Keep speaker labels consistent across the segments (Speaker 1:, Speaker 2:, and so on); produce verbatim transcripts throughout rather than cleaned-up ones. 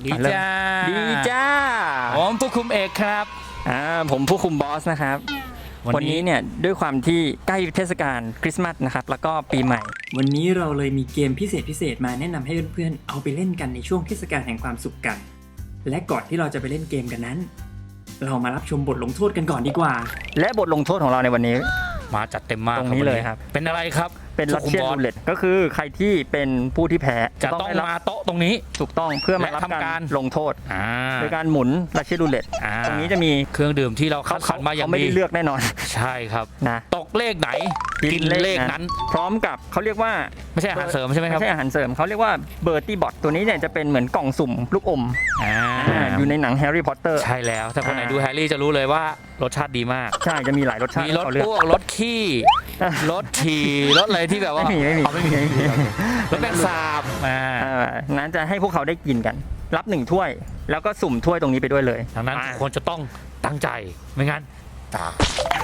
Speaker 1: ดีจ้า
Speaker 2: ดีจ้า
Speaker 1: ผมผู้คุมเอกครับ
Speaker 2: อ่าผมผู้คุมบอสนะครับ วันนี้เนี่ยด้วยความที่ใกล้เทศกาลคริสต์มาสนะครับแล้วก็ปีใหม่ วันนี้เราเลยมีเกมพิเศษพิเศษมาแนะนำให้เพื่อนๆเอาไปเล่นกันในช่วงเทศกาลแห่งความสุขกัน และก่อนที่เราจะไปเล่นเกมกันนั้น เรามารับชมบทลงโทษกันก่อนดีกว่า และบทลงโทษของเราในวันนี้
Speaker 1: มาจัดเต็มมาก
Speaker 2: ตรงนี้เลยครับ
Speaker 1: เป็นอะไรครับ
Speaker 2: เป็นลั
Speaker 1: ผู้
Speaker 2: ท
Speaker 1: คุม
Speaker 2: เชียน
Speaker 1: บอส
Speaker 2: รูเล็ตก็คือใครที่เป็นผู้ที่แพ้
Speaker 1: จะต้อง
Speaker 2: ได้รับ
Speaker 1: มาโต๊ะตรงนี้
Speaker 2: ถูกต้องเพื่อมารับ
Speaker 1: และทำ
Speaker 2: กา
Speaker 1: การ
Speaker 2: รลงโทษ
Speaker 1: อ่า
Speaker 2: โดยการหมุนลัทเชียนรูเล็ต
Speaker 1: อ่า
Speaker 2: ตรงนี้จะมี
Speaker 1: เครื่องดื่มที่เราคัดสรรมาอย่าง
Speaker 2: เขาไม่
Speaker 1: ดี
Speaker 2: ได้เลือกแน่นอน
Speaker 1: ใช่ครับ
Speaker 2: นะ
Speaker 1: ตกเลขไหนกินเลขนั้น
Speaker 2: พร้อมกับเขาเรียกว่า
Speaker 1: ไม่ใช่อาหารเสริมใช่ไหมครับ
Speaker 2: ไม่ใช่อาหารเสริมเขาเรียกว่าเบอร์ตี้บอทตัวนี้เนี่ยจะเป็นเหมือนกล่องสุ่มลูกอม
Speaker 1: อ่า
Speaker 2: อ่าอยู่ในหนังแฮร์รี่พอตเตอร์
Speaker 1: ใช่แล้วถ้าคนไหน
Speaker 2: อ่า
Speaker 1: ดูแฮร์รี่จะรู้เลยว่ารสชาติดีมาก
Speaker 2: ใช่จะมีหลายรสชาติ
Speaker 1: มีรส
Speaker 2: ให้เขาเลือก
Speaker 1: อ้วกรสขี้
Speaker 2: อ่ะ
Speaker 1: รสฉี่รสอะไรที่แบบว่า
Speaker 2: ไม่มีไม่มี
Speaker 1: อ๋อไม่มีไม่มีรสแมงสาบอ่า
Speaker 2: อ่านั้นจะให้พวกเขาได้กินกัน รับหนึ่งถ้วย แล้วก็สุ่มถ้วยตรงนี้ไปด้วยเลย
Speaker 1: ดังนั้น
Speaker 2: อ่า
Speaker 1: ทุกคนจะต้องตั้งใจไม่งั้นตาย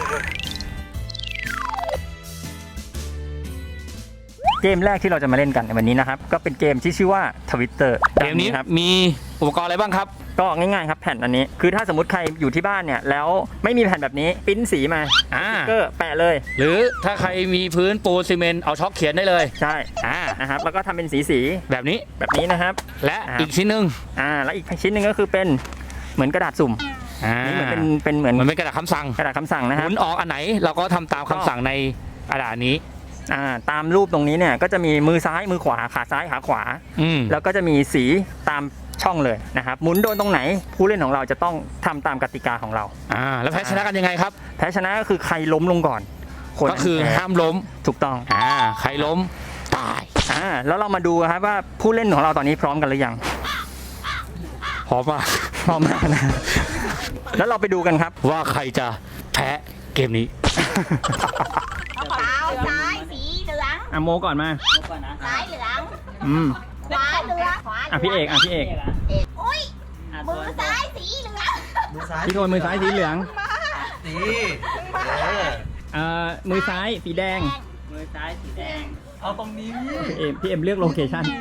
Speaker 2: เกมแรกที่เราจะมาเล่นกันในวันนี้นะครับก็เป็นเกมที่ชื่อว่า Twitter
Speaker 1: เกมนี้
Speaker 2: ครับ
Speaker 1: มีอุปกรณ์อะไรบ้างครับ
Speaker 2: ก็ง่ายๆครับแผ่นอันนี้คือถ้าสมมติใครอยู่ที่บ้านเนี่ยแล้วไม่มีแผ่นแบบนี้ปริ้นสีมา
Speaker 1: อ่า
Speaker 2: ก็แปะเลย
Speaker 1: หรือถ้าใครมีพื้นปูนซีเมนต์เอาช็อกเขียนได้เลย
Speaker 2: ใช่
Speaker 1: อ่า
Speaker 2: นะครับแล้วก็ทำเป็นสีสี
Speaker 1: แบบนี้
Speaker 2: ๆแบบนี้นะครับ
Speaker 1: และ
Speaker 2: อ่า
Speaker 1: อีกชิ้นหนึ่ง
Speaker 2: อ่าแล้วอีกชิ้นหนึ่งก็คือเป็นเหมือนกระดาษสุ่ม
Speaker 1: อ่า
Speaker 2: นี่เหมือนเป็นเป็นเหมือน
Speaker 1: มันเป็นกระดาษคำสั่ง
Speaker 2: กระดาษคำสั่งนะ
Speaker 1: ห
Speaker 2: ครับ
Speaker 1: มุนออกอันไหนเราก็ทำตามคำสั่งในกระดาษนี้
Speaker 2: อ่าตามรูปตรงนี้เนี่ยก็จะมีมือซ้ายมือขวาขาซ้ายขาขวา
Speaker 1: อืม
Speaker 2: แล้วก็จะมีสีตามช่องเลยนะครับหมุนโดนตรงไหนผู้เล่นของเราจะต้องทำตามกติกาของเรา
Speaker 1: อ่าแล้วแพ้ชนะกันยังไงครับ
Speaker 2: แพ้ชนะก็คือใครล้มลงก่อนคน
Speaker 1: ก็คือ
Speaker 2: แพ้
Speaker 1: ห้ามล้ม
Speaker 2: ถูกต้อง
Speaker 1: อ่าใครล้มตาย
Speaker 2: อ่าแล้วเรามาดูครับว่าผู้เล่นของเราตอนนี้พร้อมกันหรือยัง
Speaker 1: พร้อมมาก
Speaker 2: พร้อมมากนะแล้วเราไปดูกันครับ
Speaker 1: ว่าใครจะแพ้เกมนี้
Speaker 3: เท้าซ้ายสีเหลือง
Speaker 2: อ่ะโมก่อนมา
Speaker 3: ซ้ายเหลือง
Speaker 2: อืม
Speaker 3: ขวาเหลืองขวาเหลื
Speaker 2: อ่ะพี่เอกอ่ะพี่เอก
Speaker 3: อุ้ยมือซ้ายสีเหลือง
Speaker 2: พี่โทนมือซ้ายสีเหลือง
Speaker 4: สี
Speaker 2: เอ่อมือซ้ายสีแดง
Speaker 3: มือซ้ายสีแดง
Speaker 4: เอาตรงนี้
Speaker 2: พี่เอ็มพี่เอ็มเลือกโลเคชั่น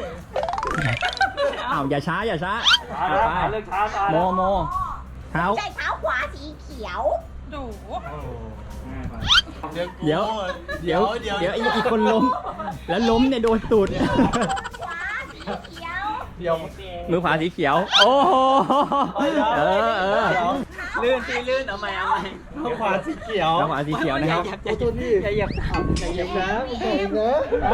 Speaker 2: อ้าวอย่าช้าอย่าช้าเอาไป
Speaker 4: เลือกช้าตา
Speaker 2: โมโมเท้า
Speaker 3: ใช่เท้าขวาสีเขียว
Speaker 2: เดี๋ยวเดี๋ยวเดี๋ยวอีกอีกคนล้ม แล้วล้มเนี่ยโดนตูด
Speaker 3: ขวาสีเขียว
Speaker 4: เดี๋ยว
Speaker 2: มือขวาสีเขียว โอ้โหเออเออ
Speaker 4: ลื่นสีลื่นเอาใหม่เอาใหม่เอาขวาสีเขียว
Speaker 2: แล้วขวาสีเขียวนะครับ
Speaker 4: โอ้ตัวนี้อย่าเหยียบอย่าเหยียบนะอย่าเหยียบนะ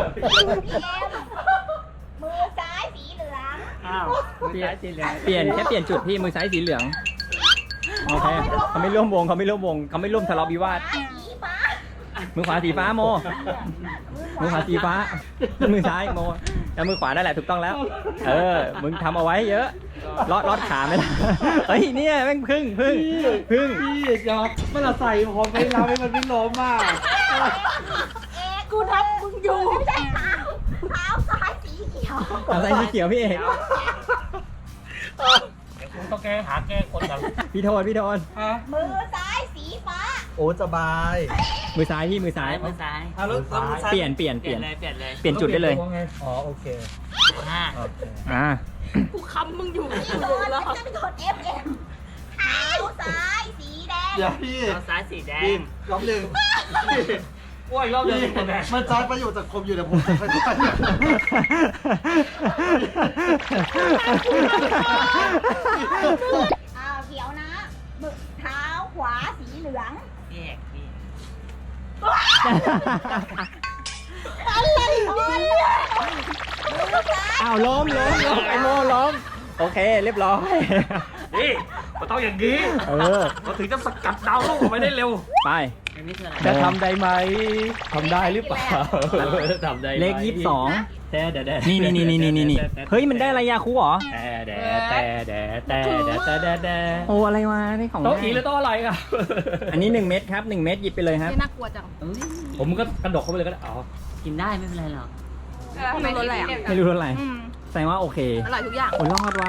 Speaker 3: มือซ้ายสีเหลือง
Speaker 2: อ้าวเปลี่ยนเปลี่ยนแค่เปลี่ยนจุดพี่มือซ้ายสีเหลืองโอเคเขาไม่ร่วมวงเขาไม่ร่วมวงเขาไม่ร่วมทะเลาะวิวาท
Speaker 3: ซ้ายสีฟ้า
Speaker 2: มือขวาสีฟ้าโม มือขวาสีฟ้า มือซ้ายโมแล้วมือขวานั่นแหละถูกต้องแล้ว เออ มึงทำเอาไว้เยอะลอดลอดขาไม่ได้เฮ้ยเนี่ยแม่งพึ่งพึ่งพึ่ง
Speaker 4: พี่อย่ามันละใส่ผมไปเราให้มันไม่ล้มมาก
Speaker 3: เอกกูทับมึงอยู่ไม่ใช่เท้าเท้าซ้ายสีเขียว
Speaker 2: เอาใส่สีเขียวพี่เอก
Speaker 1: ต้องแก้หาแก้คนกัน
Speaker 2: พี่โทนพี่โทน
Speaker 3: มือซ้ายสีฟ้า
Speaker 4: โอ้สบาย
Speaker 2: มือซ้ายพี่มือซ้าย
Speaker 5: มือซ้าย
Speaker 4: อ่ะแล้วแล้วมือซ้าย
Speaker 2: เปลี่ยนเปลี่ยน
Speaker 5: เป
Speaker 2: เป
Speaker 5: ลี่
Speaker 2: ลี่
Speaker 5: ย
Speaker 2: ย
Speaker 5: น
Speaker 2: น
Speaker 5: เลย เปลี่ยนเลย
Speaker 2: เปลี่ยนจุดได้เลย
Speaker 4: อ๋อโอเค
Speaker 5: ห้า
Speaker 4: โอเค
Speaker 2: อ่า
Speaker 3: กูคำมึงอยู่ที่โดนแล้วจะไปกด F M เท้าซ้ายสีแดง
Speaker 4: เดี๋ยวพี่
Speaker 5: เอาซ้ายสีแด
Speaker 4: พี่
Speaker 5: ง
Speaker 4: รอบหนึ่ง
Speaker 1: ว่ายรอบเดียว
Speaker 4: พี่
Speaker 1: คนแพ้
Speaker 4: มันใช้ประโยชน์จากผมอยู่เดี๋ยวผมจะค่อยๆ
Speaker 3: อ้าวเขียวนะมือเท้าขวาสีเหลือง
Speaker 5: พี่เอกพี่
Speaker 3: อะไรคนมือซ้าย
Speaker 2: อ้าวล้มล้มล้มไอโมล้มโอเคเรียบร้อย
Speaker 1: นี่มันต้องอย่างนี้
Speaker 2: เออ
Speaker 1: เราถึงจะสกัดดาวลูกออกไปได้เร็ว
Speaker 2: ไป
Speaker 5: อันนี้คืออะไร
Speaker 2: จะท
Speaker 1: ได้ไหมทำได้หรือเปล่าทำได้
Speaker 2: เลขยี่สิบสอง
Speaker 1: แต่แต่แต่
Speaker 2: นี่นี่นี่นี่นี่นี่เฮ้ยมันได้อะไรยาคูเหรอ
Speaker 1: แต่แต่แต่แต่แต่แต่แต่แต่
Speaker 2: โอ้อะไรวะนี่ของ
Speaker 1: โต๊ะอีหรือโต๊ะอะไรครับ
Speaker 2: อันนี้หนึ่งเม็ดครับหนึ่งเม็ดหยิบไปเลยครับ
Speaker 6: น่ากลัวจัง
Speaker 1: ผมก็กระดกเข้าไปเลยก็ได้อ๋อ
Speaker 5: กินได้ไม่เป็นไรหรอก
Speaker 6: ไม่รู้รสอะไรอ่ะ
Speaker 2: ไม่รู้รสอะไร
Speaker 6: อืม
Speaker 2: แสดงว่าโอเค
Speaker 6: อร่อยทุกอย่าง
Speaker 2: โอ้รอดว่า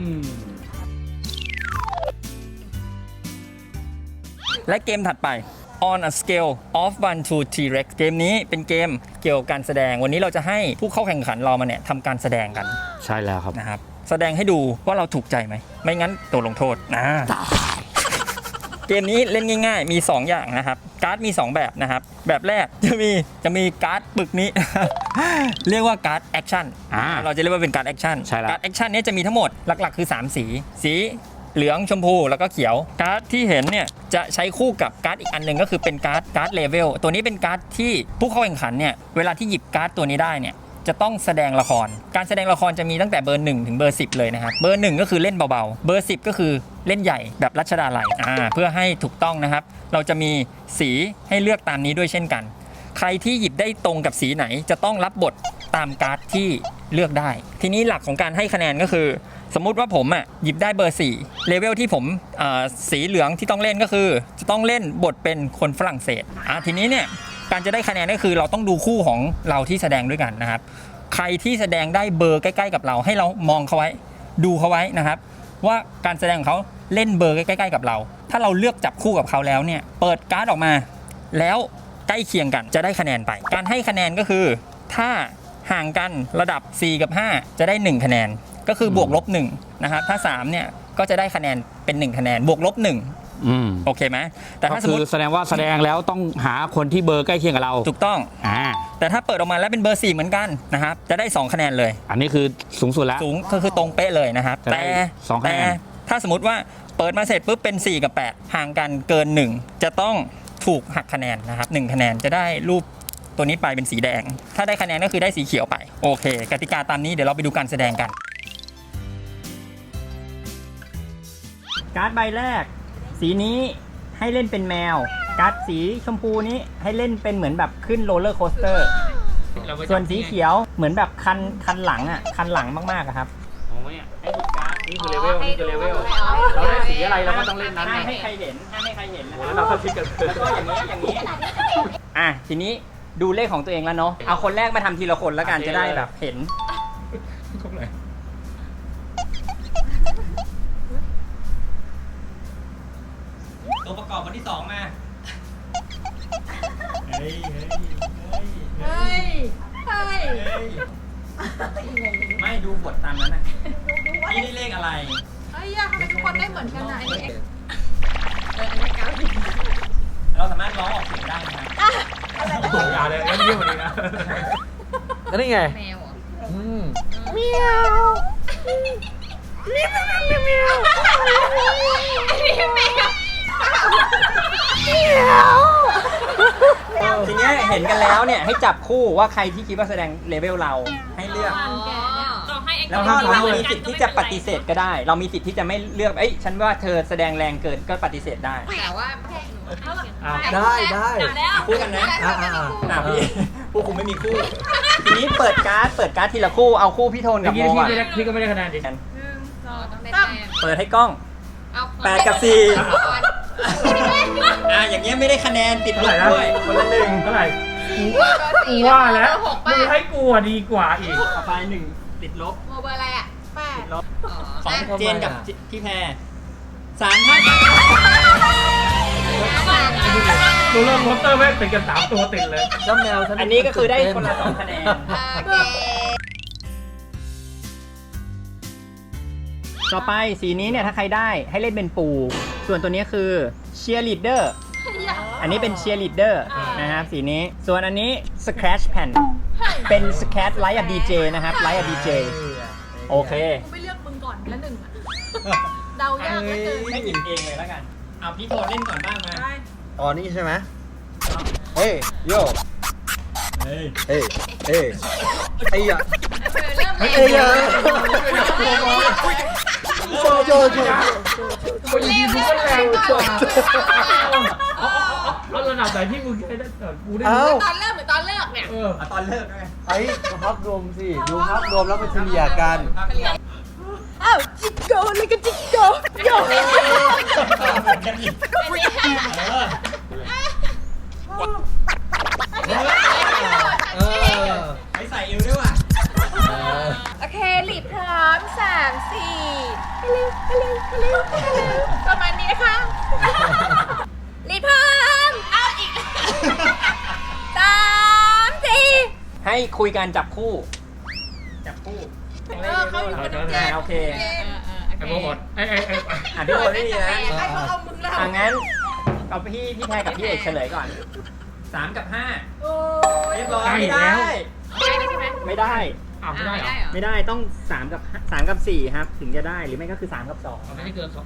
Speaker 2: และเกมถัดไป On a scale of one to T-Rex เกมนี้เป็นเกมเกี่ยวกับการแสดงวันนี้เราจะให้ผู้เข้าแข่งขันเรามาเนี่ยทำการแสดงกัน
Speaker 1: ใช่แล้วครับ
Speaker 2: นะครับแสดงให้ดูว่าเราถูกใจไหมไม่งั้นโดนลงโทษนะเกมนี้เล่นง่ายๆมีสองอย่างนะครับการ์ดมีสองแบบนะครับแบบแรกจะมีจะมีการ์ดปึกนี้ เรียกว่าการ์ดแอคชั่น
Speaker 1: อ่า
Speaker 2: เราจะเรียกว่าเป็นการ์ดแอคชั่น
Speaker 1: ใช่แล้ว
Speaker 2: การ์ดแอคชั่นนี้จะมีทั้งหมดหลักๆคือสามสีสีเหลืองชมพูแล้วก็เขียวการ์ดที่เห็นเนี่ยจะใช้คู่กับการ์ดอีกอันหนึ่งก็คือเป็นการ์ดการ์ดเลเวลตัวนี้เป็นการ์ดที่ผู้เข้าแข่งขันเนี่ยเวลาที่หยิบการ์ดตัวนี้ได้เนี่ยจะต้องแสดงละครการแสดงละครจะมีตั้งแต่เบอร์หนึ่งถึงเบอร์สิบเลยนะครับเบอร์หนึ่งก็คือเล่นเบาๆเบอร์สิบก็คือเล่นใหญ่แบบรัชดาลัยอ่าเพื่อให้ถูกต้องนะครับเราจะมีสีให้เลือกตามนี้ด้วยเช่นกันใครที่หยิบได้ตรงกับสีไหนจะต้องรับบทตามการ์ดที่เลือกได้ทีนี้หลักของการให้คะแนนก็คือสมมุติว่าผมอ่ะหยิบได้เบอร์สี่เลเวลที่ผมสีเหลืองที่ต้องเล่นก็คือจะต้องเล่นบทเป็นคนฝรั่งเศสอ่ะทีนี้เนี่ยการจะได้คะแนนก็คือเราต้องดูคู่ของเราที่แสดงด้วยกันนะครับใครที่แสดงได้เบอร์ใกล้ๆกับเราให้เรามองเขาไว้ดูเขาไว้นะครับว่าการแสดงของเขาเล่นเบอร์ใกล้ๆกับเราถ้าเราเลือกจับคู่กับเขาแล้วเนี่ยเปิดการ์ดออกมาแล้วใกล้เคียงกันจะได้คะแนนไปการให้คะแนนก็คือถ้าห่างกันระดับสี่กับห้าจะได้หนึ่งคะแนนก็คือบวกลบหนึ่งนะครับถ้าสามเนี่ยก็จะได้คะแนนเป็นหนึ่งคะแนนบวกลบหนึ่ง
Speaker 1: อืม
Speaker 2: โอเคไหมแต่
Speaker 1: ก็
Speaker 2: ถ้าสม
Speaker 1: คื
Speaker 2: ม
Speaker 1: อ
Speaker 2: ติ
Speaker 1: แสดงว่าแสดงแล้วต้องหาคนที่เบอร์ใกล้เคียงกับเรา
Speaker 2: ถูกต้อง
Speaker 1: อ่า
Speaker 2: แต่ถ้าเปิดออกมาแล้วเป็นเบอร์สี่เหมือนกันนะครับจะได้สองคะแนนเลย
Speaker 1: อันนี้คือสูงสุดแล้ว
Speaker 2: สูงก็คือตรงเป๊ะเลยนะครับ
Speaker 1: จะได้
Speaker 2: แต่
Speaker 1: สองคะแนน
Speaker 2: แต่ถ้าสมมติว่าเปิดมาเสร็จปุ๊บเป็นสี่กับแปดห่างกันเกินหนึ่งจะต้องถูกหักคะแนนนะครับหนึ่งคะแนนจะได้รูปตัวนี้ไปเป็นสีแดงถ้าได้คะแนนก็คือได้สีเขียวไปโอเคกติกาตามนี้เดี๋ยวเราไปดูการแสดงกันการ์ดใบแรกสีนี้ให้เล่นเป็นแมวการ์ดสีชมพูนี้ให้เล่นเป็นเหมือนแบบขึ้นโรลเลอร์โคสเตอร์ส่วนสีเขียวเหมือนแบบคันคันหลังอ่ะคันหลังมากๆอะครับ
Speaker 4: โอ้ยให้ดูการ์ดนี่คือเลเวลนี่คือเลเวลเราได้สีอะไรเราก็ต้องเล่นนั้น
Speaker 2: ห้าม
Speaker 4: ไง
Speaker 2: ให้ใครเห็นห้ามให้ใครเห็นนะค
Speaker 4: แล้
Speaker 2: รั
Speaker 4: ว
Speaker 2: บ
Speaker 4: เราก็คิดกัน
Speaker 2: แล้วก็อย่างนี้อย่างนี้อ่ะทีนี้ดูเลขของตัวเองแล้วเนาะเอาคนแรกมาทำทีละคนแล้วกันจะได้แบบเห็นตัวประกอบคนที่สองมาเฮ้ยเฮ้ย
Speaker 3: เฮ้ยเฮ้ย
Speaker 2: ไม่ดูบทตามนั้นนะพี่ได้เลขอะไร
Speaker 3: เฮ้ยทำไมทุกคนได้เหมือนกันนะอันนี้เอออันนี้เก้าสิบ
Speaker 2: เราสามารถร้องออกเสียงได้นะครับ
Speaker 4: อย่าเลยงั้นเยี่ยมกว่านี้นะ
Speaker 6: แล้วนี่ไง
Speaker 3: แมวอ่ะ
Speaker 6: อืม
Speaker 3: เมียวนี่มันเมียวเมียวนี่แมวเมียว
Speaker 2: ทีเนี้ยเห็นกันแล้วเนี่ยให้จับคู่ว่าใครที่คิดว่าแสดงเลเวลเราให้เลือก
Speaker 3: เราให้
Speaker 2: แล้วก็เรามีสิทธิ์ที่จะปฏิเสธก็ได้ เรามีสิทธิ์ที่จะไม่เลือกเอ้ยฉันว่าเธอแสดงแรงเกินก็ปฏิเสธได้
Speaker 3: แต่ว่า
Speaker 6: ได้ได้
Speaker 2: คู่กันนะ
Speaker 6: อ่าอ่าอ่า
Speaker 2: อ่ะพี่ผู้คุมไม่มีคู่ ทีนี้เปิดการ์ดเปิดการ์ดทีละคู่เอาคู่พี่โทนกับ
Speaker 4: พี่
Speaker 2: โม
Speaker 4: พี่
Speaker 2: ก่อน
Speaker 4: ไม่ได้พี่ก็ไม่ได้คะแนนดิ
Speaker 3: ต้องได้แต้ม
Speaker 2: เปิดให้กล้องแปดกับสี่อ่ะอย่างเงี้ยไม่ได้คะแนนติดลบด้วยคนละหนึ่ง
Speaker 4: เท่าไหร่
Speaker 3: สี่
Speaker 4: ว่าแล้ว
Speaker 3: หก
Speaker 4: มึ
Speaker 3: ป้าง
Speaker 4: ให้กลัวดีกว่าอีก
Speaker 2: ต่อไปหนึ่งติดลบ
Speaker 3: โมเบอร์อะไรอ่ะแปด
Speaker 2: ติดลบ
Speaker 3: อ๋อ
Speaker 2: ของเจนกับพี่แพรสามท่าน
Speaker 4: โรลเลอร์โคสเตอร์แม่งเป็นกันสามตัวติดเลย
Speaker 6: เจ้าแมวฉัน
Speaker 2: อันนี้ก็คือได้คนละสองคะแนน
Speaker 3: โอเค
Speaker 2: ต่อไปสีนี้เนี่ยถ้าใครได้ให้เล่นเป็นปูส่วนตัวนี้คือเชียร์ลีดเดอร์อันนี้เป็นเชียร์ลีดเดอร์นะครับสีนี้ส่วนอันนี้ Scratch Pen เป็น Scratch ไลท์อะดีเจนะครับไลท์อะดีเจโอเค
Speaker 3: กูไม่เลือกมึงก่อนละหนึ่งอ่ะเดายากเหลือเกิน
Speaker 2: ให้หยิบเองเลยแล้วกันเอาพี่โทนเล่นก่อนบ้างมา
Speaker 6: อ๋อนี่ใช่ไหมเฮ้ยโย
Speaker 2: เฮ้ย
Speaker 6: เฮ้ยเฮ้ยไอ้ยะ
Speaker 3: เริ่ม
Speaker 6: เฮ้ย
Speaker 3: เร็ว
Speaker 6: เฮ้ยโจโจโจ
Speaker 4: คนยิงมึงก็แรงกว่า
Speaker 3: ก่อน
Speaker 4: เอาระดับไหนที่มึงได้กูได้
Speaker 6: เอ้า
Speaker 3: ตอนเริ่มหรือตอนเลิกเนี่ย
Speaker 4: เออ
Speaker 2: เอาตอนเลิกด้วย
Speaker 6: ไอ้ดูภาพรวมสิดูภาพรวมแล้วเป็นเฉลี่ยกัน
Speaker 3: อ้าวจิกโกเลยก็จิกโกโย
Speaker 6: เออ
Speaker 2: ไปใส่เอวด้วยว่ะ
Speaker 3: โอเคหลีบพร้อมสามสี่ฮัลโหลฮัลโหลฮัลโหลฮัลโหลประมาณนี้นะคะหลีบพร้อมเอาอีกสามสี่
Speaker 2: ให้คุยกันจับคู่ จับคู่
Speaker 3: เออเขาอยู่กับน้องเจน
Speaker 2: โอเค
Speaker 4: ไอ้โมหมดไอ้ไอ้ไอ้
Speaker 2: อ่ะพี่โบได้ดีนะ
Speaker 3: ให้เขาเอามึงแล้ว
Speaker 2: อ่ะงั้นเอาพี่พี่แพรกับพี่เอกเฉลยก่อนสามกับห้า
Speaker 3: โอ้ย
Speaker 2: เรียบร้อย
Speaker 4: ใกล้
Speaker 2: ไม่
Speaker 4: แล้
Speaker 2: ได้
Speaker 4: ว
Speaker 3: ได้ไหมใช่ไหม
Speaker 2: ไม่ได้
Speaker 4: อ้าวไม่ได้เหรอ
Speaker 2: ไม่ได้ต้องสามกับสามกับสี่ครับ ถึงจะได้หรือไม่ก็คือสามกับสอง
Speaker 4: ไม่ได้เกินสอง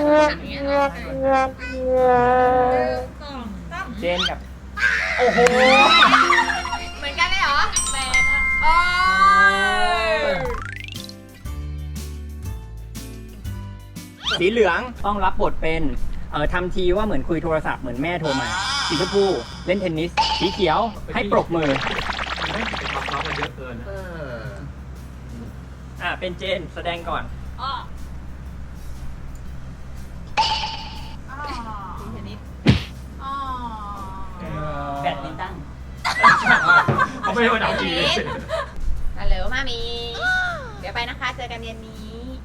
Speaker 2: เจนกับโอ้โห
Speaker 3: เหมือนกันเลยเหรอแปดอ่ะโอ้ย
Speaker 2: สีเหลืองต้องรับบทเป็นเออทำทีว่าเหมือนคุยโทรศัพท์เหมือนแม่โทรมาสีชมพูเล่นเทนนิสสีเขียวให้ปรบมือ
Speaker 4: ไม่เป็นความร้อนมันเยอะเกินนะ
Speaker 2: อ่ะเป็นเจนแสดงก่อน
Speaker 3: อ๋อทีเทนนิสอ๋อ
Speaker 5: แบดมินตัน
Speaker 4: เขาไม่ได้มาดับจี
Speaker 3: ฮัลโหลมามี เดี๋ยวไปนะคะ เจอกันเย็นนี้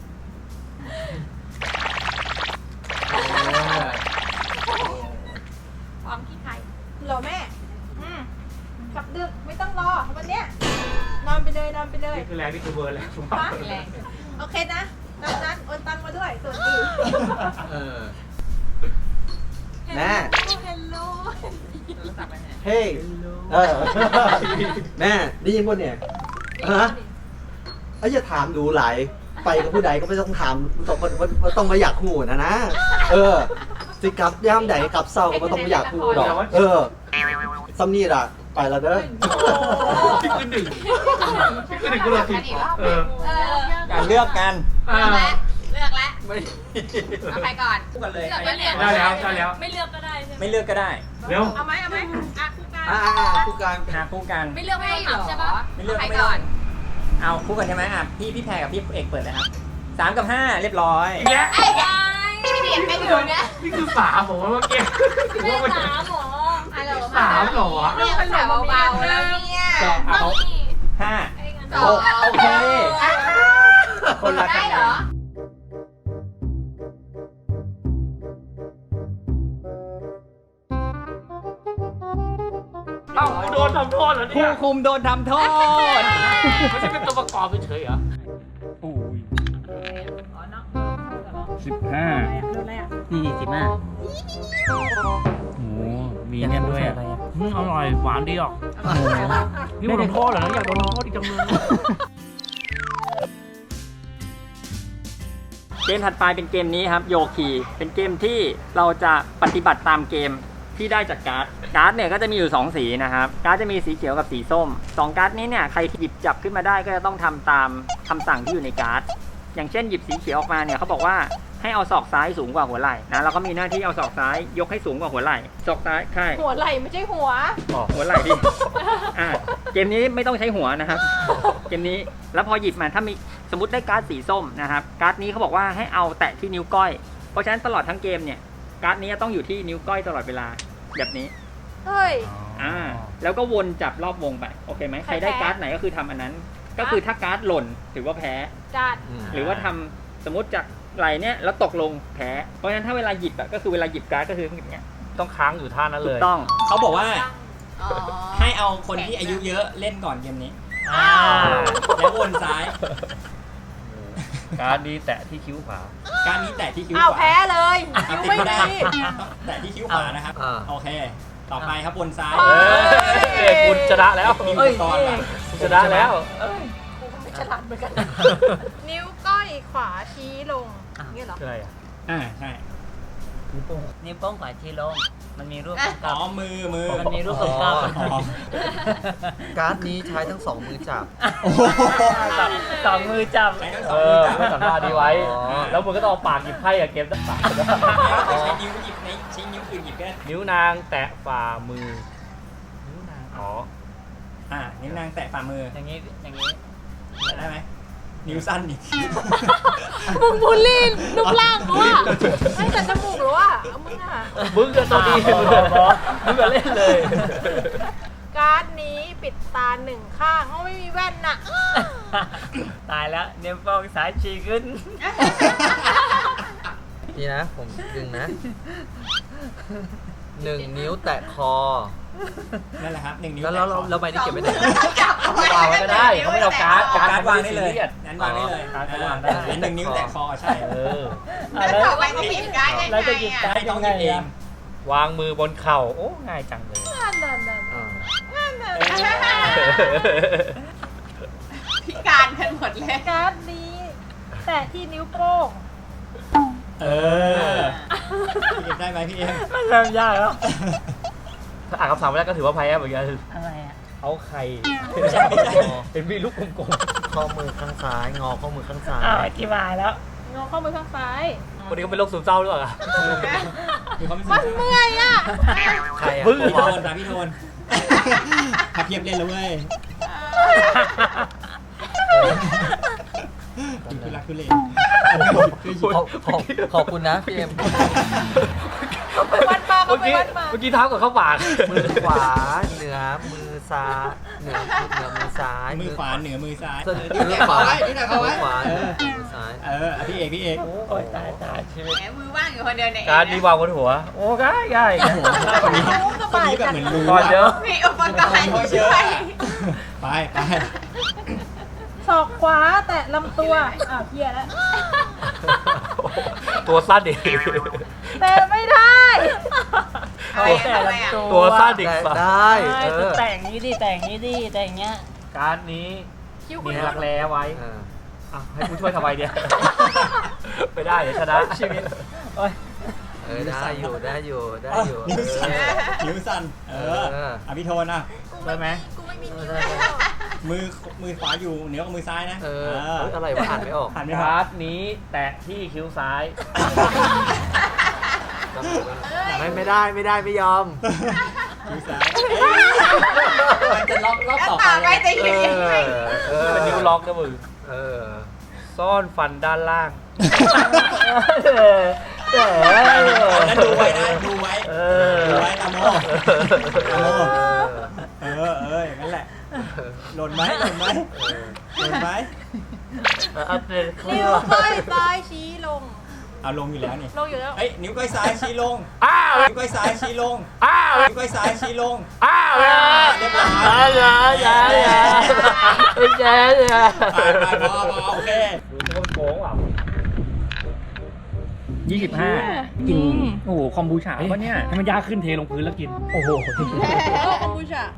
Speaker 3: พร้อมขี้ใครเหรอแม่อืมกลับดึกไม่ต้องรอวันเนี้ยนอนไปเลยนอนไปเลย
Speaker 4: นี่คือแรงนี่คือเบอร์แรงสุด
Speaker 3: ฮะแรงโอเคนะตามนั้นโอนตังมาด้วยส่วนดี
Speaker 6: เออ แม่
Speaker 3: เฮลโล
Speaker 6: เฮ้ย เออ แม่ได้ยินป่ะเนี่ย ฮะไอ้จะถามดูหลาย ไปกับผู้ใดก็ไม่ต้องถามต้องต้องต้องมาอยากหูนะนะ เออ สิกลับย่ามใดกลับเศร้าก็ไม่ต้องมาอยากหูดอก เออซัมนี่ล่ะ ไปแล้วเด้อ
Speaker 4: พี่คือหนึ่งพี่คือหนึ่งกูเลยผิดเออ
Speaker 3: เออ
Speaker 2: การเลือกกัน
Speaker 3: เลือกแล้วเลือกแล้ว
Speaker 2: ไม่
Speaker 3: เอาใครก่อน
Speaker 2: คู่กันเลย
Speaker 3: เลือกแล้วเนี่ย
Speaker 4: ได้แล้วได้แล้ว
Speaker 3: ไม่เลือกก็ได้ใช่ไหม
Speaker 2: ไม่เลือกก็ได้
Speaker 4: เร็ว
Speaker 3: เอาไหมเอาไหมอ่ะคู่กัน
Speaker 6: อ่าผู้การ
Speaker 2: หาคู่กัน
Speaker 3: ไม่เลือกไม่ต้องถามใช่ปะ
Speaker 2: ไม่เลือก
Speaker 3: ใคร
Speaker 2: ไม่
Speaker 3: ก่
Speaker 2: ต้
Speaker 3: อ
Speaker 2: อน งเอาคู่กันใช่ไหมอ่ะพี่พี่แพรกับพี่เอกเปิดเลยครับสามกับห้าเรียบร้อย
Speaker 4: เนี่ย
Speaker 3: ไอ้ยายพี่เดียนไปอยู่เนี่ย
Speaker 4: นี่คือสามผมว่าเมื่อกี้ผมว่ามัน
Speaker 3: สามหรอฮัลโหล
Speaker 4: สามเหรอวะ
Speaker 3: เรียกภาษาเบาๆแล้วเนี่ย
Speaker 2: สองเอาห้า
Speaker 3: สอง
Speaker 2: โอเค คนละคะ
Speaker 3: ได้
Speaker 2: แน
Speaker 3: เหรอน
Speaker 4: เอ้ากูโดนทำโทษเหรอเนี่
Speaker 2: ผู้
Speaker 4: ย
Speaker 2: คุมโดนทำโทษ
Speaker 4: ไม่ใช่เป็นตัวประกอบเฉยๆเหรอ
Speaker 1: สิบห้า
Speaker 5: นี่สิบห้า
Speaker 1: โอ้โหมีเนี่ยด้วยอ่ะอืมอร่อยหวานดีอ่ะนี่โดนโทษเหรออยากโดนโทษอีกจังเลย
Speaker 2: เกมถัดไปเป็นเกมนี้ครับโยคีเป็นเกมที่เราจะปฏิบัติตามเกมที่ได้จากการ์ดการ์ดเนี่ยก็จะมีอยู่สองสีนะครับการ์ดจะมีสีเขียวกับสีส้มสองการ์ดนี้เนี่ยใครหยิบจับขึ้นมาได้ก็จะต้องทำตามคำสั่งที่อยู่ในการ์ดอย่างเช่นหยิบสีเขียวออกมาเนี่ยเขาบอกว่าให้เอาศอกซ้ายสูงกว่าหัวไหล่นะเราก็มีหน้าที่เอาศอกซ้ายยกให้สูงกว่าหัวไหล่ศอกซ้ายใช่
Speaker 3: หัวไหล่ไม่ใช่หัว
Speaker 2: หัวไหล่ดิอ่าเกมนี้ไม่ต้องใช้หัวนะครับเกมนี้แล้วพอหยิบมาถ้ามีสมมติได้การ์ดสีส้มนะครับการ์ดนี้เขาบอกว่าให้เอาแตะที่นิ้วก้อยเพราะฉะนั้นตลอดทั้งเกมเนี่ยการ์ดนี้ต้องอยู่ที่นิ้วก้อยตลอดเวลาแบบนี้
Speaker 3: เฮ้ย
Speaker 2: อ่าแล้วก็วนจับรอบวงไปโอเคไหมใครได้การ์ดไหนก็คือทำอันนั้น ก็คือถ้าการ์ดหล่นถือว่าแพ้
Speaker 3: จัด
Speaker 2: หรือว่าทำสมมติจากไหลเนี่ยแล้วตกลงแพ้เพราะฉะนั้นถ้าเวลาหยิบอะก็คือเวลาหยิบการ์ดก็คืออย่างเงี้ย
Speaker 1: ต้องค้างอยู่ท่านั้น
Speaker 2: ถู
Speaker 1: เล
Speaker 2: ก
Speaker 1: ย
Speaker 2: ต้องเขาบอกว่า
Speaker 3: อ๋อ
Speaker 2: ให้เอาคนที่อายุเยอะเล่นก่อนเกมนี้
Speaker 1: อ่า
Speaker 2: แล้ววนซ้าย
Speaker 1: การนี้แตะที่คิ้วขวา
Speaker 2: การนี้แตะที่คิ้ว
Speaker 3: อ้าว
Speaker 2: ขวา
Speaker 3: แพ้เลย
Speaker 2: อ่ะ
Speaker 3: คิ้ว
Speaker 2: ติด
Speaker 3: ไม่
Speaker 2: ไม่ได้
Speaker 3: ดี
Speaker 2: แตะที่คิ้วขวานะครับ
Speaker 6: อ่า
Speaker 2: โอเค ต่อไปครับวนซ้าย
Speaker 3: เอ้
Speaker 1: เอ้ยคุณชนะแล้ว
Speaker 2: มีอุปกรณ์มา
Speaker 1: คุณชนะแล้ว
Speaker 3: ฉลาดเหมือนกัน นิ้วก้อยขวาชี้ลงเงี้ยเหรอ
Speaker 1: คืออะไรอ่ะ
Speaker 2: อ่าใช่
Speaker 5: นิ้วโป้งขวาที่ลง มันมีรูป
Speaker 3: อ่ะ
Speaker 5: ก
Speaker 2: อ๋
Speaker 5: ลั
Speaker 2: อบ มือมือ
Speaker 5: มันมีรูปของกลับ
Speaker 2: อ๋อ
Speaker 6: การ์ดนี้ใช้ทั้งสองมือจับ
Speaker 2: โอ้โห
Speaker 5: สองมือจับ
Speaker 2: ใช้ทั้งส
Speaker 1: เอ
Speaker 2: องมือจับ
Speaker 1: อไม่สัมภาษณ์ดีไว้
Speaker 6: อ๋อ
Speaker 1: แล้วมึงก็ต้องเอาปากหยิบไพ่กับเกมตั้งปาก
Speaker 2: ใช้นิ้วหยิบในใช้นิ้วอื่นหยิบก็ได้
Speaker 1: นิ้วนางแตะฝ่ามือ นิ้วนาง อ๋อ
Speaker 2: อ่านิ้วนางแตะฝ่ามือ
Speaker 5: อย่างนี้ อย่างนี้
Speaker 2: ได้ไหมนิ้วสั้นอีก
Speaker 3: มึงบูลลี่รูปร่างกูอ่ะไม่แต่จมูกหรือว่าเอามึงอ่ะ
Speaker 1: มึงก็ตัวดีมึงก็มึงก็เล่นเลย
Speaker 3: การ์ดนี้ปิดตาหนึ่งข้างเขาไม่มีแว่นน่ะ
Speaker 5: ตายแล้วนิ้วโป้งซ้ายชี้ขึ้น
Speaker 6: นี่นะ ผมดึงนะ หนึ่งนิ้วแตะคอ
Speaker 2: นั่นแหละครับหนึ่งนิ้ว
Speaker 6: แล้วเรา
Speaker 2: แตะคอ
Speaker 6: เราใบนี้เก็บไว้ไหน
Speaker 3: จับ
Speaker 4: วางไว้ก็ได้เขาไม่เอาการ์ด
Speaker 2: เอาการ์ดวางได้เลย
Speaker 4: ซีรีส
Speaker 2: งั้นวางได้เลย
Speaker 4: การ์ดก็วางได้
Speaker 2: เออหนึ่งนิ้วแตะคอใช่
Speaker 4: เออ
Speaker 3: แล้วบอกว่าเขาหยิบการ์ดยังไง
Speaker 5: เราจะหยิบ
Speaker 3: อ่ะ
Speaker 5: การ์ด
Speaker 2: ให้น้อง
Speaker 5: ยั
Speaker 2: ห
Speaker 5: ง
Speaker 2: ยิบ
Speaker 5: ไง
Speaker 2: เอง
Speaker 5: อะ
Speaker 4: วางมือบนเข่าโอ้ง่ายจังเลย
Speaker 3: นั่นนั่นนั่น
Speaker 6: อ่า
Speaker 3: นั่นนั่นพิการกันหมดเลย
Speaker 7: การ์ดนี้แตะที่นิ้วโป้ง
Speaker 2: เออพี่เอ็มได้ไหมพี่เอ็ม
Speaker 5: มันเริ่มยากแล้ว
Speaker 4: ถ้าอ่านคำสั่งไม่ได้ก็ถือว่าแพ้เหมือนกัน
Speaker 5: อะไรอ่ะ
Speaker 4: เอาไข่
Speaker 2: ไม่ใช่ไม่ใช่
Speaker 4: เป็นวีลูกกลม
Speaker 6: ข้อมือข้างซ้าย งอข้อมือข้างซ้าย
Speaker 5: อ้าวอธิบายแล้ว
Speaker 7: งอข้อมือข้างซ้าย
Speaker 4: ๆคนนี้เขาเป็นโรคซึมเศร้าหรือเปล่า
Speaker 2: มีความ
Speaker 7: มันเมื่อยอ่ะ
Speaker 6: ใครอ่ะ
Speaker 4: บึ้ง
Speaker 2: พี่โทนตาพี่โทนขับเพียบเล่นแล้วเว้ยคือรักคือเล่น
Speaker 6: ขอบขอบขอบคุณนะพี่เอ็ม
Speaker 7: ไปวัดมาก็
Speaker 4: เมื่อ
Speaker 7: ไป
Speaker 4: กี้
Speaker 7: วัดมา
Speaker 4: เมื่อกี้เท้ากับเข้าปาก
Speaker 6: มือขวาเหนือมือซ้ายเหนือเหนือมือซ้าย
Speaker 2: มือขวาเหนือมือซ้าย
Speaker 6: มือขวา
Speaker 2: นี่แหละเขาไว้
Speaker 6: มือขวา
Speaker 2: เออ
Speaker 6: มือซ้าย
Speaker 2: เออพี่เอกพี่เอก
Speaker 5: โอ้ยตายตายชีวิต
Speaker 3: แหมมือว่างอยู่คนเดียวเนี่ย
Speaker 4: การดีวางบนหัว โอ้ง่ายง่าย
Speaker 2: คนนี้คนนี้แบบเหมือนรู้
Speaker 4: ก่อนเยอะ
Speaker 3: มีอุปกรณ์ช่วย
Speaker 2: ไปไป
Speaker 7: ศอกขวาแตะลำตัว อ้าวเฮียแล้ว
Speaker 4: ตัวสั้นดิ
Speaker 7: แต่ไม่ได้
Speaker 3: เอาไว้ทำไมอ่ะ
Speaker 4: ตัวสั้นดิ
Speaker 6: ได้ได้
Speaker 5: ใช่
Speaker 6: เอ
Speaker 5: จะ
Speaker 6: อ
Speaker 5: แต่งนี้ดิแต่งนี้ดิแต่งเงี้ย
Speaker 4: การนี้
Speaker 7: คิ้ว
Speaker 4: มี
Speaker 7: คุณ
Speaker 4: รักแร้ไว้
Speaker 6: เออ
Speaker 4: อ่ะให้ผู้ช่วยทำไมเนี่ย ไม่ได้เดี๋ยวชนะ
Speaker 2: ชีวิตโอ้ย
Speaker 6: เออได้อยู่ได้อยู่ได้อยู่
Speaker 2: นิ้วสั่น
Speaker 6: เออ
Speaker 2: นิ้วสั่นเออ
Speaker 6: เออ
Speaker 2: อ่ะพี่โทนอ่ะ
Speaker 4: ได้ไหม
Speaker 7: กูไม่มีนิ้ว
Speaker 6: ได้
Speaker 7: แล้ว
Speaker 2: มือมือขวาอยู่เหนือกับมือซ้ายนะ
Speaker 6: เออเฮ้ยอะไรวะอ่านไม่ออก
Speaker 2: ผ่านไม่ออก
Speaker 4: การ์ดนี้แตะที่คิ้วซ้าย
Speaker 6: ไม่ไม่ได้ไม่ได้ไม่ยอม
Speaker 2: มือซ้ายมันจะล็อกรอบ
Speaker 3: แล้ว
Speaker 2: ต่อ
Speaker 3: ต่อ
Speaker 2: ไป
Speaker 3: ไปจะ
Speaker 6: เอ
Speaker 3: หยิบยังไง
Speaker 6: อเออ
Speaker 4: เป็นนิ้วล็อกนะมึง
Speaker 6: เออ
Speaker 4: ซ่อนฟันด้านล่าง
Speaker 5: เออเออ
Speaker 2: นั้นดูไว้นะดูไว้
Speaker 4: เออ
Speaker 2: ดูไว้ตามโมตามโมเออเอออย่างนั้นแหละหล่นไหมหล่นไหมหล่นไหม
Speaker 4: เอาเป็น
Speaker 7: นิ้วก้อยซ้ายชี้ลง
Speaker 2: เอาลงอยู่แล้วนี่
Speaker 7: ลงอยู่แล้ว
Speaker 2: เอ้ยนิ้วก้อยซ้ายชี้ลง
Speaker 4: อ้าว
Speaker 2: นิ้วก้อยซ้ายชี้ลง
Speaker 4: อ้าว
Speaker 2: นิ้วก้อยซ้ายชี้ลง
Speaker 4: อ้าว
Speaker 2: เรียบร้อย
Speaker 4: อย่าอย่าอย่าอย่าอย่า
Speaker 2: ไปไปพอพอโอเค
Speaker 4: ดูจะโกงว่ะ
Speaker 1: ยี่สิบห้ากิน โอ้โห คอมบูชาปะเนี่ย ให้มันยากขึ้นเทลงพื้นแล้วกิน โอ้โห
Speaker 7: แล้วคอมบูชา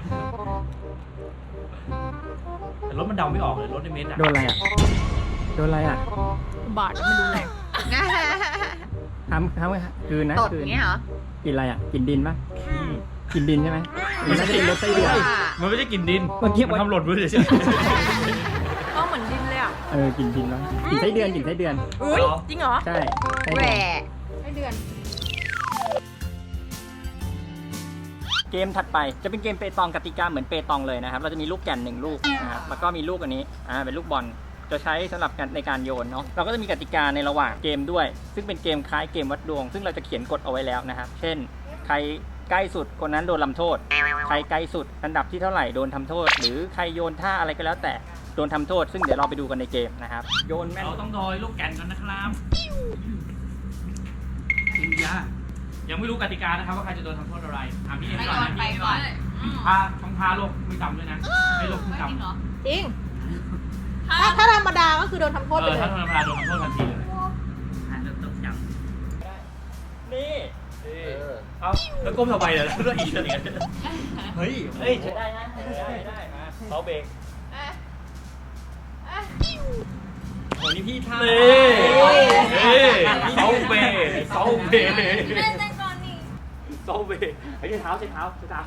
Speaker 1: แต่รถมันเดาไม่ออกเลย รถในเมนต์อะ
Speaker 2: โดนอะไรอ่ะ โดนอะไรอ่ะ
Speaker 7: บาทไม่รู้แหละ
Speaker 2: ทำทำไงฮะคืนนะ
Speaker 3: ตด
Speaker 2: คืน
Speaker 3: เงี้ยเหรอ
Speaker 2: กินอะไรอ่ะ กินดินปะกินดินใช่ไหมมันไม่ใช่กินรถไส้เดือน
Speaker 1: มันไม่ใช่กลิ่นดิน
Speaker 2: เมื่อกี้
Speaker 1: มันทำหล่นพื้นเฉย
Speaker 7: ก็เหมือนดินเลยอ่ะ
Speaker 2: เออ กินดินแล้วกินไส้เดือน กินไส้เดือน
Speaker 7: อุ้ยจริงเหรอ
Speaker 2: ใช่ไส้
Speaker 3: แหว
Speaker 2: เดือน
Speaker 3: ะ
Speaker 7: ให้เดือน
Speaker 2: เกมถัดไปจะเป็นเกมเปตองกติกาเหมือนเปตองเลยนะครับ เราจะมีลูกแก่นหนึ่งลูกนะครับ แล้วก็มีลูกอันนี้ อ่า เป็นลูกบอล จะใช้สำหรับการในการโยนเนาะ เราก็จะมีกติกาในระหว่างเกมด้วย ซึ่งเป็นเกมคล้ายเกมวัดดวง ซึ่งเราจะเขียนกฎเอาไว้แล้วนะครับ เช่น ใครใกล้สุดคนนั้นโดนลำโทษ ใครไกลสุดอันดับที่เท่าไหร่โดนทำโทษ หรือใครโยนท่าอะไรก็แล้วแต่โดนทำโทษ ซึ่งเดี๋ยวเราไปดูกันในเกมนะครับ โยน
Speaker 1: ๆ
Speaker 2: แม่น
Speaker 1: เราต้องโดยลูกแก่นกันนะครับอินยายังไม่รู้กติกานะครับว่าใครจะโดนทำโทษอะไรถามพี่เอ็ม
Speaker 3: ไป
Speaker 1: ก่อน
Speaker 3: ก่อน
Speaker 1: นะ
Speaker 3: ไป
Speaker 1: พี่เอ็ม
Speaker 3: ก่อน
Speaker 1: พาต้องพาโลกไม่ต่ำด้วยนะไม่โลกไม่ต่ำ
Speaker 7: จริง ถ้าถ้าธรรมดาก็คือโดนทำโทษ
Speaker 1: เอ
Speaker 7: ไป
Speaker 1: อ
Speaker 7: เล
Speaker 1: ถ้าย ธรรมดาโดนทำโทษทันทีเลย
Speaker 2: นี่
Speaker 6: เออ
Speaker 1: เอาแล้วก้มทำไมเนี่ยแล้วอีกอะไรกัน
Speaker 2: เฮ้ย
Speaker 4: เฮ้ยใช้ได้นะได้ได้มาเขาเบรก
Speaker 2: โหนี่พี่ท่า
Speaker 1: เน่เน่เซาเบเซาเบ
Speaker 7: เล่นแต่ก่อนนี่
Speaker 1: เซาเบไอ้ใช้เท้าใช้เท้าใช้เท้า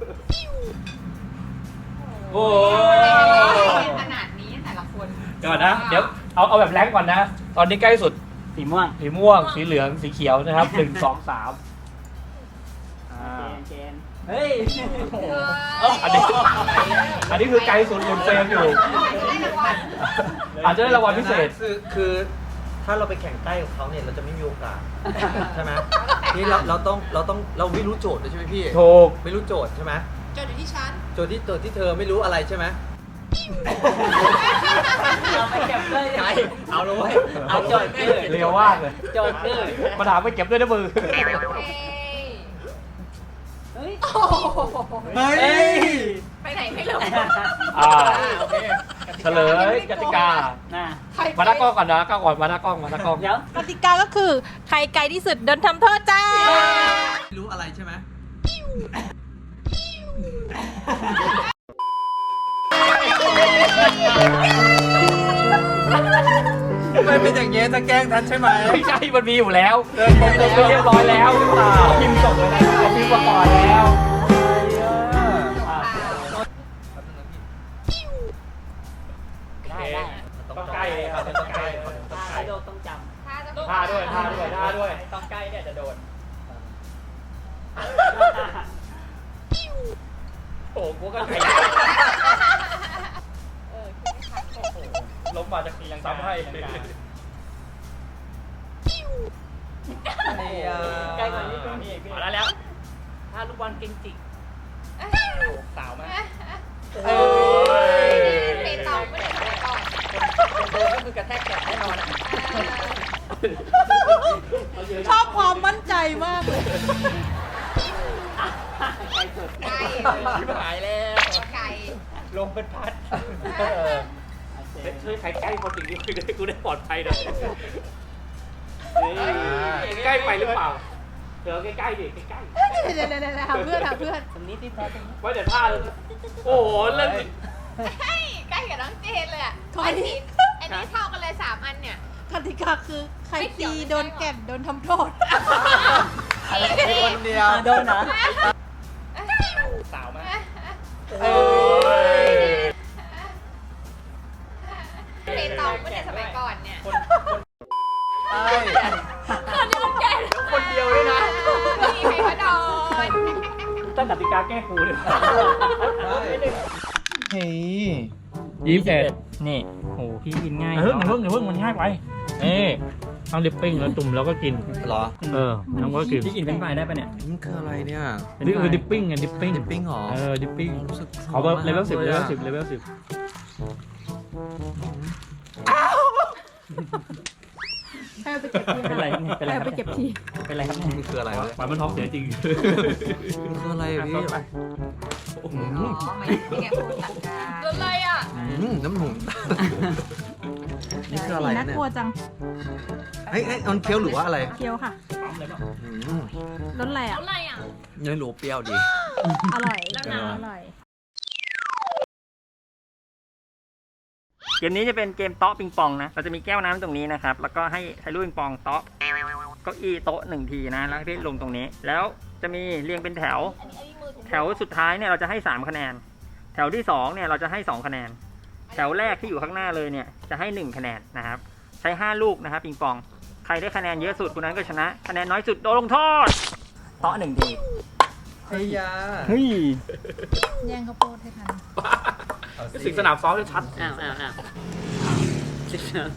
Speaker 1: โอ้
Speaker 3: ขนาดนี้แต่ละคน
Speaker 1: เดี๋ยวก่อนนะ เดี๋ยวเอาเอาแบบแรงก่อนนะ ตอนนี้ใกล้สุด
Speaker 5: สีม่วง
Speaker 1: สีม่วง สีเหลือง สีเขียวนะครับหนึ่งสองสามอ่า
Speaker 5: เจนเฮ้ย
Speaker 1: อันนี้ อันนี้คือไกลสุดหลุดเฟรมอยู่ อาจจะได้รางวัลพิเศษ
Speaker 6: คือคือถ้าเราไปแข่งใกล้กับเขาเนี่ยเราจะไม่มีโอกาสใช่ไหมนี่เราเราต้องเราต้องเราไม่รู้โจทย์เลยใช่ไหมพี่
Speaker 1: ถูก
Speaker 6: ไม่รู้โจทย์ใช่ไหม
Speaker 7: จดอยู่ที่ชั้น
Speaker 6: โจทย์ที่โจทย์ที่เธอไม่รู้อะไรใช่ไหม
Speaker 5: เอาไปเก็บเลย
Speaker 6: ไกลเอาเลย
Speaker 5: เอาโจทย์คือ
Speaker 1: เร็วมากเลย
Speaker 5: โจทย์คือ
Speaker 1: มาถามไปเก็บด้วยนะมือ
Speaker 5: เฮ้ย
Speaker 6: เฮ้ย
Speaker 3: ไปไหนไม่รู้
Speaker 4: อ่าโอเคเฉลยกติกา
Speaker 5: น่ะ
Speaker 4: มาหน้ากล้องก่อนนะกล้องก่อนมาหน้ากล้องมาหน้ากล้อง
Speaker 5: เดี๋ยว
Speaker 7: กติกาก็คือใครไกลที่สุดโดนทำโทษจ้า
Speaker 6: รู้อะไรใช่ไหมไม่เป็นอย่างเงี้ยจะแกล้งทันใช่ไหม
Speaker 4: ไม่ใช่มันมีอยู่แล้วเดินไปเรียบร้อยแล้วหรือเปล่าพิมพ์ส่งเลยนะพิมพ์มาก่อนแล้ว
Speaker 5: ได้ได้
Speaker 4: ต้องใกล้เลยครับต้องใกล้ต้องใกล้
Speaker 5: ถ้าโดนต้องจ
Speaker 3: ถ้าจะ
Speaker 4: ท่าด้วยท่าด้วยท่าด้วย
Speaker 5: ำต้องใกล้เนี่ยจะโดน
Speaker 4: โอ้โหกูก็ใครล้มมาจากทียังซ้ำให้
Speaker 5: ใกล้กว่านี้ก็มีอีก
Speaker 4: มาแล้วแล้ว
Speaker 5: ถ้าลูกบอลเก่งจิก
Speaker 4: สาวมาก
Speaker 3: เอ้ยเปตองไม่ได้ทำก่อน
Speaker 5: คนโดนก็คือกระแทกแขนแน่นอนอะ
Speaker 7: ชอบความมั่นใจมากเลย
Speaker 5: ไกลสุด
Speaker 3: ไก่
Speaker 4: ชิบหายแล้ว
Speaker 3: ไก่
Speaker 4: ลงเป็นพัดช่วยใครใกล้คนสิ่งนี้คุยได้กูได้ปลอดภัยหน่อยใกล้ไปหรือเปล่าเดี๋ยวใกล้ๆดิใกล้
Speaker 7: เดี๋ยวเดี๋ยวเดี๋ยวหาเพื่อนหาเพื่อน
Speaker 5: ตรงนี้ที่แท้ตรงนี้
Speaker 4: ๆไว้เดี๋ยวท่าเลยโอ้โหเล่น
Speaker 3: เฮ้ยใกล้กับน้องเจนเลยอ่ะอันนี้อันนี้เท่ากันเลยสามอันเนี่ย
Speaker 7: กติกาคือใครตีโดนแก่นโดนทำโทษ
Speaker 6: คนเดียว
Speaker 5: อ่ะโดนเหรอ
Speaker 4: สาวมาก
Speaker 3: เอ้ยเปตองไม่ได้สมัยก่อนเนี่ย
Speaker 6: ใช่
Speaker 3: คนเดียวแก่
Speaker 4: คนเดียวด้วยนะ
Speaker 3: มีใครมาโดน
Speaker 4: ตั้งกติกาแก้กูเลย
Speaker 1: เฮ้ย
Speaker 2: ยี่สิบเอ็ดนี่โหพี่กินง่าย
Speaker 1: เฮ้ยมันเพิ่งเพิ่งมันง่ายไปเอ้ทำดิปปิ้งแล้วจุ่มแล้วก็กิน
Speaker 6: เหรอ
Speaker 1: เออแล้วก็กิน
Speaker 2: พี่กินเป็นไฟรายได้ปะเนี่ย
Speaker 6: มันคืออะไรเนี่ย
Speaker 1: นี่คือดิปปิ้งไงดิปปิ้ง
Speaker 6: ดิปปิ้งเหรอ
Speaker 1: เออดิปปิ้ง
Speaker 6: รู้สึก
Speaker 1: ขอแบบเลเวลสิบเลเวลสิบเลเวลสิบ
Speaker 7: ให้เอาไปเก็บที
Speaker 2: เป็นไรเนี่ยเป็นไร
Speaker 7: ให้
Speaker 2: ค
Speaker 7: เอา
Speaker 2: รับ
Speaker 7: ไปเก็บที
Speaker 2: เป็นไรครับเนี่ย
Speaker 6: มันคืออะไรวะ
Speaker 1: ปล่อยมันท้องเสียจริง
Speaker 6: มันคืออะไรอะพี่
Speaker 3: อ๋อไม่ไม่แกพูดหลักการโดนอะไรอ่ะ
Speaker 6: อืมน้ำหนุ่มนี่คืออะไร
Speaker 7: น่า
Speaker 6: เนี่ย
Speaker 7: กลัวจัง
Speaker 6: เฮ้ยเฮ้ยมันเคี้ยวหรือว่าอะไร
Speaker 7: เคี้ยวค่ะ
Speaker 6: อืม
Speaker 7: รสอะไรอ่ะ
Speaker 3: อะไรอ่ะ
Speaker 6: เนื้อหรูเปรี้ยวดี
Speaker 7: อร่อย
Speaker 3: แล้วน้ำ
Speaker 7: อร่อย
Speaker 2: เกมนี้จะเป็นเกมโต๊ะปิงปองนะ เราจะมีแก้วน้ำตรงนี้นะครับ แล้วก็ให้ใช้ลูกปิงปองโต๊ะเก้าอี้โต๊ะหนึ่งทีนะ แล้วที่ลงตรงนี้ แล้วจะมีเรียงเป็นแถว แถวสุดท้ายเนี่ยเราจะให้สามคะแนน แถวที่สองเนี่ยเราจะให้สองคะแนน แถวแรกที่อยู่ข้างหน้าเลยเนี่ยจะให้หนึ่งคะแนนนะครับ ใช้ห้าลูกนะครับปิงปอง ใครได้คะแนนเยอะสุดคนนั้นก็ชนะ คะแนนน้อยสุดโดนลงโทษโต๊ะหนึ่งที
Speaker 6: เฮ้ยยา
Speaker 2: เฮ้ย
Speaker 7: แย่งข้าวโพดให้ทัน
Speaker 4: สิงสนามซ้อมชัด
Speaker 5: อ้าวอ้าวอ้าวสิบสอง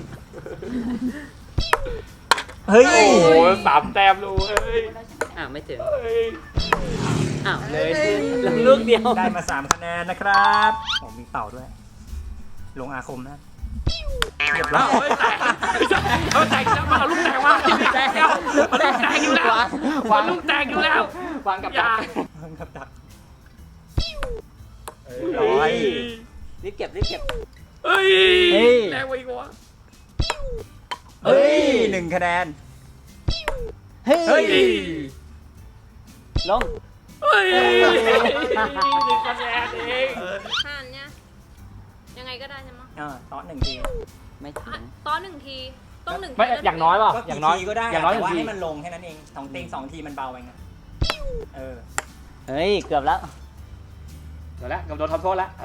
Speaker 2: เฮ้ย
Speaker 4: โอ้โหสามแต้มเลย
Speaker 5: อ้าวไม่ถึง
Speaker 4: เฮ้ย
Speaker 5: อ้าวเลยลงลูกเดียว
Speaker 2: ได้มาสามคะแนนนะครับผมมีเป่าด้วย ลงอาคมนะเรียบร้อย
Speaker 4: เฮ้ยแตกเขาแตกแล้วมาเอาลูกแตกมาแตกแล้วมันลูกแตกอยู่แล้วมันลูกแตกอยู่แล้ว
Speaker 5: วางกับ
Speaker 4: อย่า
Speaker 2: กับดัก
Speaker 4: ร้อย
Speaker 5: รีบเก็บรีบเก็บ
Speaker 4: เฮ้ยแรงไปกว่า
Speaker 2: เฮ้ยหนึ่งคะแนน
Speaker 5: เฮ้
Speaker 2: เฮ้ย
Speaker 5: ยลง
Speaker 4: เฮ้ยหนึ่งคะแนนเอง
Speaker 3: ห่านเนี่ยยังไงก็ได้ใช่ไหม
Speaker 2: เออโต๊ะหนึ่งที
Speaker 5: ไม่ถึง
Speaker 3: ตอนหนึ่งทีต้องหนึ่ง
Speaker 4: ไม่อย่างน้อยป่ะ
Speaker 2: ก็
Speaker 4: อย่าง
Speaker 2: กี่
Speaker 4: น้อย
Speaker 2: ทีก็ได้
Speaker 4: อย่างน้อยห
Speaker 2: แต่
Speaker 4: นึ่ง
Speaker 2: ว่า
Speaker 4: ที
Speaker 2: ให้มันลงแค่นั้นเองสองติงสองทีมันเบาไปไงเออ
Speaker 5: เฮ้ยเกือบแล้ว
Speaker 4: เดี๋ยวแล้วกับโดนทำโทษแล้ว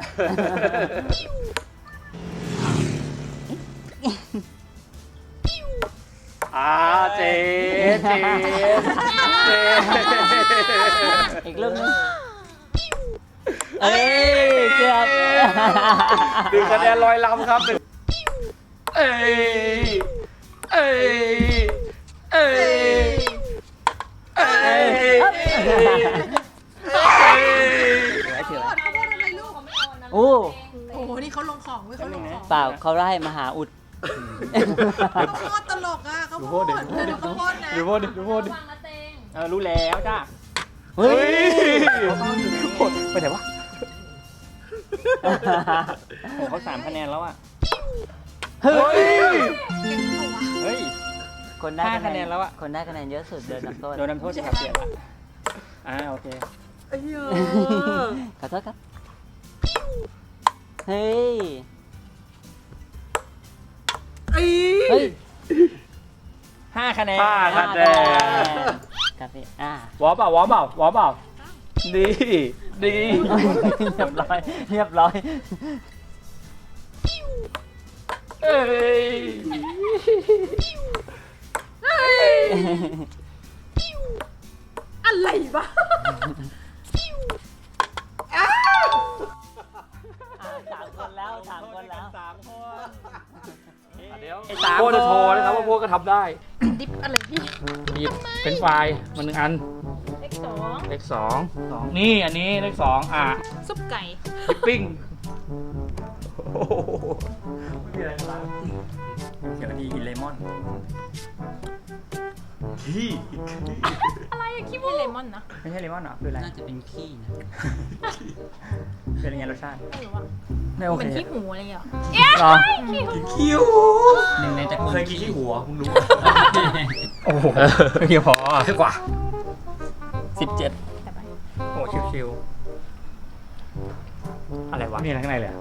Speaker 4: อ่าเจเจเจ
Speaker 5: อีกลูกนึงเอ้ยเกือบ
Speaker 4: หนึ่งคะแนนลอยลำครับหนึ่งเอ้ยเอ้ยเอ้ยเอ้ย
Speaker 5: ถือไว้ถือไว้
Speaker 7: ข้าวโพดอะไรลูก
Speaker 5: โอ้
Speaker 7: โอ้โห นี่เขาลงของเว้ยเขาลงของ
Speaker 5: เปล่าเขาได้มาหาอุด
Speaker 7: ข้าวโพดตลกอ่ะข้าวโพดเธอดูข้าวโพดนะ
Speaker 4: ดูโพดดิดูโพดดิ
Speaker 2: เออรู้แล้วจ้า
Speaker 5: เฮ้ย
Speaker 4: ไปไหนวะ
Speaker 2: เขาสามคะแนนแล้วอ่ะ
Speaker 4: เฮ้ย
Speaker 2: เฮ้ย
Speaker 5: คนได้
Speaker 2: ห้าคะแนนแล้วอะ
Speaker 5: คนได้คะแนนเยอะสุดเดินนำโทษ
Speaker 2: โดนน้ำโทษจะขับเปลี่ยนละอ่าโอเค
Speaker 5: ขอโทษครับ เฮ้ย เฮ้ย
Speaker 2: ห้าคะแนน
Speaker 4: ห้าคะแนน
Speaker 5: ครับพี่อ่า
Speaker 4: วอเปล่าวอเปล่าวอเปล่าดีดี
Speaker 5: เรียบร้อย เรียบร้อย
Speaker 4: เอ้ย
Speaker 7: อะไรวะ
Speaker 5: สามคนแล้วสามคนแล้ว
Speaker 2: สามคน
Speaker 4: เดี๋ยว
Speaker 2: ไอ้สาม
Speaker 4: โพจะ
Speaker 2: คน
Speaker 4: โชว์นะครับว่าโพก็ทำได้
Speaker 7: ดิบอะไรพี่
Speaker 4: หยิบเป็นไฟล์มาหนึ่งอัน
Speaker 7: เลขสอง
Speaker 4: เลขสองสองนี่อันนี้เลขสองอ่ะ
Speaker 7: ซุปไก่
Speaker 4: ดิปปิ้งไม่มีอะไรนะ
Speaker 2: เดี๋ยวดีกินเลมอน
Speaker 4: ที่
Speaker 7: อะไรอะคิดว่าเลมอนนะ
Speaker 2: ไม่ใช่เลมอนเหรอคืออะไร
Speaker 5: น่าจะเป็นขี้นะ
Speaker 2: เป็นยังไงรสชาติ
Speaker 7: ไม่รู้อะ
Speaker 2: ไม่โอ
Speaker 7: เห
Speaker 2: เค
Speaker 7: มือนขี้หูอะไรอย่างเงี้ย
Speaker 2: หรอ
Speaker 4: คิว
Speaker 5: หนึ่งในตระกูล
Speaker 4: เคยกินที่หัวมึงรู้
Speaker 2: โอ้โหเพียงพอ
Speaker 4: เท่กว่า
Speaker 2: สิบเจ็ด
Speaker 7: แต่ไป
Speaker 2: โอ้ชิวๆอะไรวะ
Speaker 4: มีอะไรข้างในเลย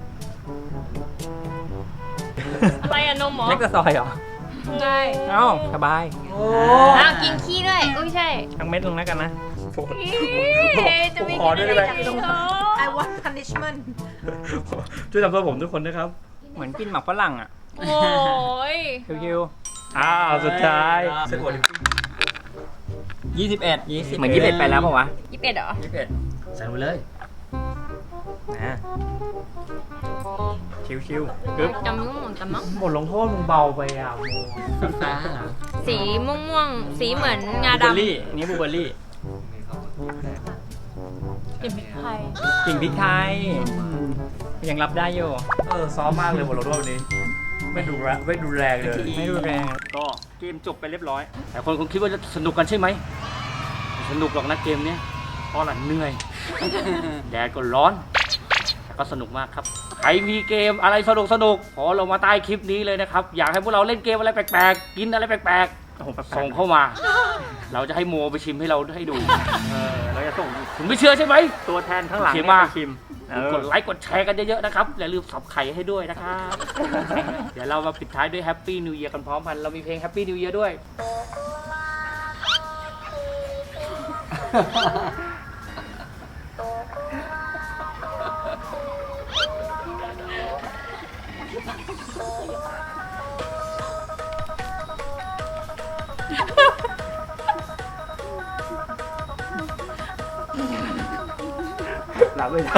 Speaker 3: อะไรอะนมหมอ
Speaker 2: เล็กกระซอยเหรอ
Speaker 7: ใช่
Speaker 2: เอ้าสบาย
Speaker 3: อ้าวกินขี้ด้วยอุ้ยใช่
Speaker 2: ทั้งเม็ดลงแล้วกันนะ
Speaker 3: จะไม่
Speaker 4: ขอด้วยได้ไหม
Speaker 3: กินอะไร
Speaker 7: I want punishment
Speaker 4: ช่วยทำเพื่อผมทุกคนนะครับ
Speaker 2: เหมือนกินหมักฝรั่งอ่ะ
Speaker 3: โอ้ย
Speaker 2: ชิว
Speaker 4: อ้าวสุดท้าย
Speaker 2: ๆยี่สิบเอ็ดยี่สิบเหมือนยี่สิบเอ็ดไปแล้วป่าวะ
Speaker 3: ยี่สิบเอ็ดเหรอ
Speaker 2: ยี่สิบเอ็ด
Speaker 4: ใส่ไปเลย
Speaker 2: นะชิวๆกึ๊บ
Speaker 3: จำม่วงม่วงจำมั้ง
Speaker 4: บทลงโทษมึงเบาไปอ่ะ
Speaker 5: ฟ้าเหรอ
Speaker 3: สีม่วงม่วงๆสีเหมือนงา
Speaker 2: บลูเบอร์
Speaker 3: ดำ
Speaker 2: รี่อันนี้บลูเบอร์รี่
Speaker 7: เก็บพริกไทย
Speaker 2: กิ่งพริกไทยยังรับได้อยู่
Speaker 4: เออซ้อมมากเลยบทลงโทษวันนี้ ไม่ดูแรงไม่ดูแรงเลย
Speaker 2: ไม่รุนแรงก็เกมจบไปเรียบร้อย
Speaker 4: แต่คนคงคิดว่าจะสนุกกันใช่ไหมไม่สนุกหรอกนะเกมเนี้ยเพราะหลังเหนื่อย แดดก็ร้อน แต่ก็สนุกมากครับ ใครมีเกมอะไรสนุกสนุกขอลงมาใต้คลิปนี้เลยนะครับ อยากให้พวกเราเล่นเกมอะไรแปลกๆ กินอะไรแปลก
Speaker 2: โอ้โห
Speaker 4: ๆ ส่งเข้ามา เราจะให้โมไปชิมให้เราให้ดู เออเราจะส่งคุณไม่เชื่อใช่ไหม
Speaker 2: ตัวแทนข้างหลัง
Speaker 4: เขียน
Speaker 2: เนี่ย
Speaker 4: มา
Speaker 2: ไปชิมเออก
Speaker 4: ดไลค์กดแชร์กันเยอะๆนะครับอย่าลืมสับไข่ให้ด้วยนะครับ เดี๋ยวเรามาปิดท้ายด้วย Happy New Year กันพร้อมกันเรามีเพลง Happy New Year ด้วย หลับไม่ได้